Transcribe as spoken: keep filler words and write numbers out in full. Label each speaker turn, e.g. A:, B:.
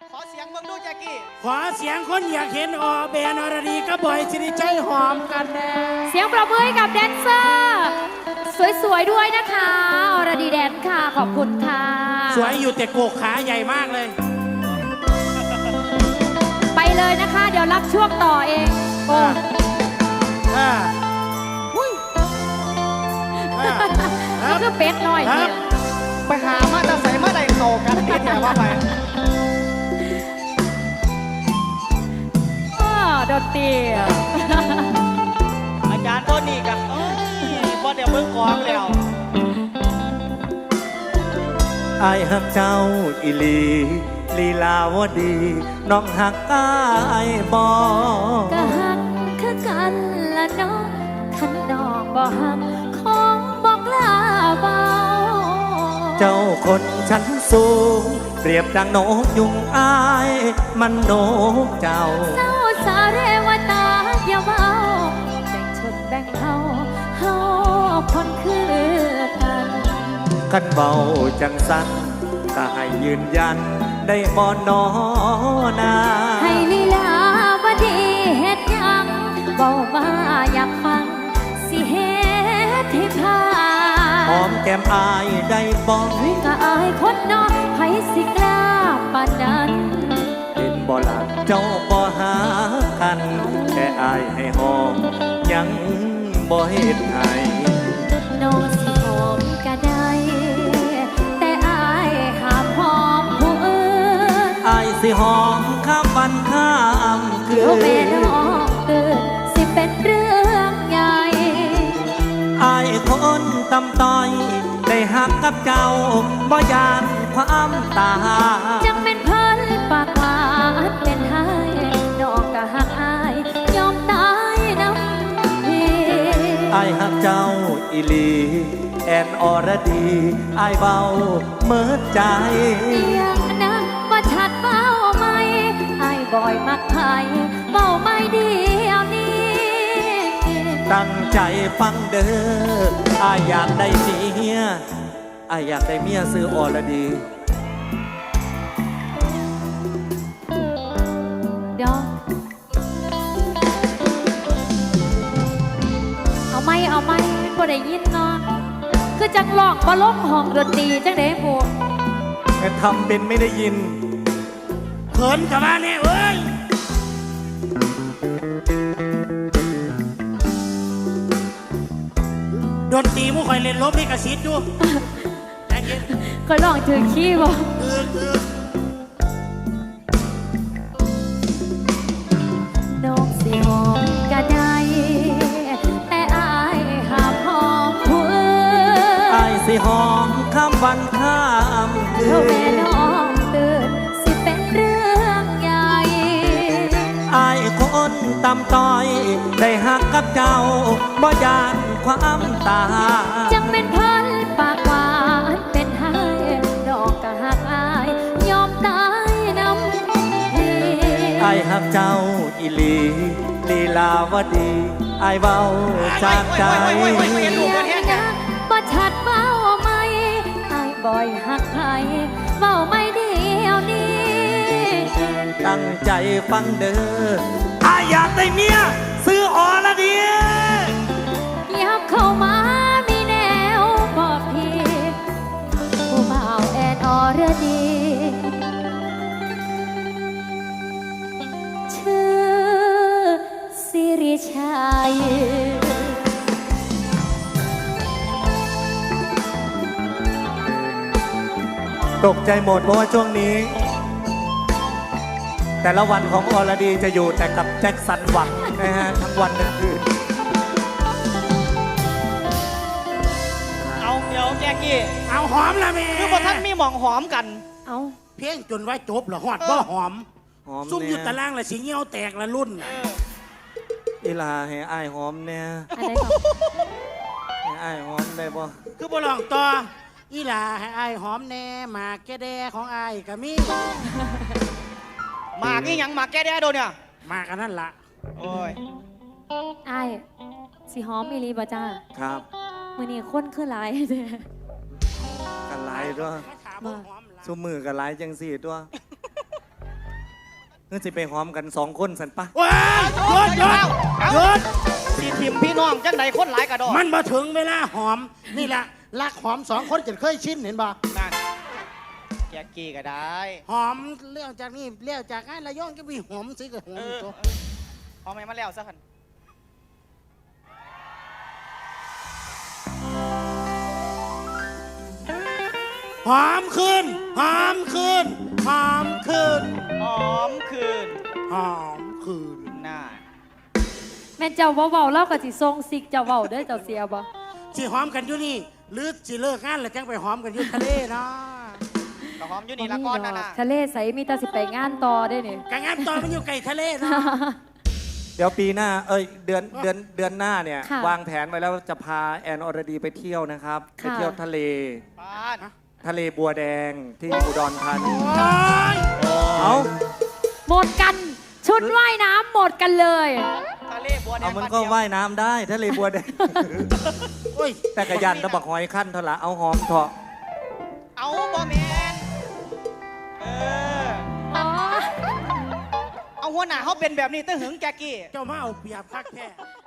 A: ขอเสียงมึงดูแจ็กกี้
B: ขอเสียงคนอยากเห็นออแบนอรดีก็บ่อยสิริชัยหอมกันแน่
C: เสียงปรบมือให้กับแดนเซอร์สวยๆด้วยนะคะอรดีแดนค่ะขอบคุณค่ะ
B: สวยอยู่แต่โกกขาใหญ่มากเลย
C: ไปเลยนะคะเดี๋ยวรับช่วงต่อเองโอ้
B: อ่า
C: นี่คือเป็ดหน่อย
A: ไปหามาจะใส่มาใดเข่ากันนี่แถวว่าไป
C: ดนตรี
A: อาจารย์ต้นนี่กันพอเดี๋ยวมึงกองแล้ว
D: อายหักเจ้าอิลีลีลาวดีน้องหักอายบอก
C: ็หักคือกันละน้องขันน้องบ่หักของบอกลาเบา
D: เจ้าคนชั้นสูงเปรียบดังนกยุงอายมันนกเจ้า
C: เจ้าสาเรวตาอย่าเบาแบ่งชนแบ่งเฮาเฮาคนคือกัน
D: กันเบาจังสันก็ให้ยืนยันได้บ่นอนา
C: ให้ลีลาวดีเฮ็ดยังเบามาอยากฟังสิเฮ็ดให้พา
D: หอมแก้มอายได้บ่
C: ก็อายคนนอกไผสิกล้าปานนั้น
D: เห็นบ่ล่ะเจ้าบ่หากันแค่อายให้หอมยังบ่เฮ็ดให้
C: น้องสิหอมก็ได้แต่อายห้ามหอมผู้อื่น
D: อายสิหอมข้ามวันข้ามคืน
C: เดี๋ยวแม่น้องตื่นสิเป็นเรื่องใหญ่
D: อายคนตำต้อยได้หักกับเจ้าบ่ยานความตา
C: จังเป็นเพิ่นปากหวานเป็นไห้น้องก็หักอายยอมตายน้ำพี่
D: อายหักเจ้าอีลีแอนอรดีอายเบาเมิดใจ
C: ยังนะว่าชัดเบาไหมอายบ่อยมักไผ่เบาไม่เดียวนี้
D: ตั้งใจฟังเด้ออายอยากได้เมียอายอยากได้เมียซื้ออรดี
C: เดี๋ยวเอาไม่เอาไม่บ่ได้ยินเนาะคือจังหลอกบ่ลงห้องดนตรีจังได๋หมู่
D: แค่ทำเป็นไม่ได้ยิน
B: เขินกับมาเนี่ยเว้ยดนตรีมุ้งคอยเล่นลบให้กระซิบดูแต่เย็น
C: ก็ลองถือขี้บ่น้องสิหอมก็ได้แต่อายห้ามหอมผู้อื่น
D: อายสิหอมข้ามวันข้ามคืน
C: แม่น้องตื่นสิเป็นเรื่องใหญ่
D: อายคนตำต้อยได้หักกับเจ้าบ่ยานความตา
C: จังเป็นเพิ่นปากหวานเป็นไห้ดอกก็หักอายยอมตายน้ำพี่
D: อายหักเจ้าอีลีลีลาวดีอายเบาจากใจ
C: บ่ชัดเบาไหมอายบ่อยหักใครเบาไม่เดียวนี้
D: ตั้งใจฟังเด้ออายอยากได้เมียซื้ออรดี
C: ยับเข้ามามีแนวบอกพี่ผู้บ่าวแอนอรดีชื่อสิริชัย
D: ตกใจหมดเพราะว่าช่วงนี้แต่ละวันของอรดีจะอยู่แต่กับแจ็คสันหวังนะฮะทั้งวันทั้งคืน
A: เอาเดี๋ยวแจ็กกี้
B: เอาหอมละแม่
A: คือพอท่านมีหมองหอมกัน
C: เอา
B: เพียงจนไว้จบเหรอหอดบ่หอมซุ่มอยู่ตะล่างละสิเงี้ยวแตกละรุ่น
D: อีลาให้อายหอมเนี่ยให้อายหอมได้บ่
B: คือบ่ลองต่ออีลาให้อายหอมแน่หมากแกแดของอายก็มี
A: หมากนี่ยังหมากแกแดโดนเนี่ย
B: หมากกันนั่นละ
A: โอ้ย
C: อายสิหอมอีลีบ่จ้า
D: ครับ
C: มื้อนี้คนคือหลายเด้อ
D: กันหลายด้วยซุมือกันหลายจังสี่ตัวเพื่อสิไปหอมกันสองคนสันปะ
B: ว้ายหยุดหยุดหยุด
A: สิทิมพี่น้องจังไหนคนหลายกระดอก
B: มันมาถึงเวลาหอมนี่แหละรักหอมสองคนจะเคยชินเห็นบ่
A: นั่นแกกี้ก็ได้
B: หอมเลี้ยวจากนี่เลี้ยวจากงานระยองก็มีหอมสิกับหอ
A: เอ
B: ม
A: อ
B: ตัว
A: พอไหมมาแล้วสักคัน
B: หอมขึ้นหอมขึ้นหอมขึ้น
A: หอมคืน
B: หอมขึ้น
A: น่า
C: แม่นเจ้าเว้าๆเล่ากับสิทรงซิกเจ้าเว้าเด้อเจ้าเสียบ่
B: สิหอมกันอยู่นี่หรือสิเลิกงานแล้วจังไปหอมกันอยู่ทะเลเนาะ
A: ก็หอมอยู่นี่ละก้อนนั่นน่ะ
C: ทะเลใสมีแต่สิไปงานต่อได้นี่
B: กางงานตอนมันอยู่ไกลทะเลเนาะ
D: เดี๋ยวปีหน้า เอ้ย เดือน เดือน เดือนหน้าเนี่ย
C: ค่ะ
D: วางแผนไว้แล้วจะพาแอนอรดีไปเที่ยวนะครับ ไป
C: ค่ะ
D: เที่ยวทะเล
A: บ้าน
D: ทะเลบัวแดงที่อุดรธานี
B: โอ้ย
D: เอา
C: หมดกันชุดว่ายน้ำหมดกันเลย
A: ทะเลบัวแดง
D: เอามัน
A: บ้
D: ก็
A: เดียว
D: ว่ายน้ำได้ ทะเลบัวแดง
B: โอ้ย
D: แต่กระยันตะบักหอยขั้นเท่าละเอาหอมเถอะ
A: เอาบ่แมนเออ
C: อ๋อ
A: เอาหัวหน้าเขาเป็นแบบนี้ตั้งหึงแกกี้
B: เจ้ามาเอาเปรียบคักแท้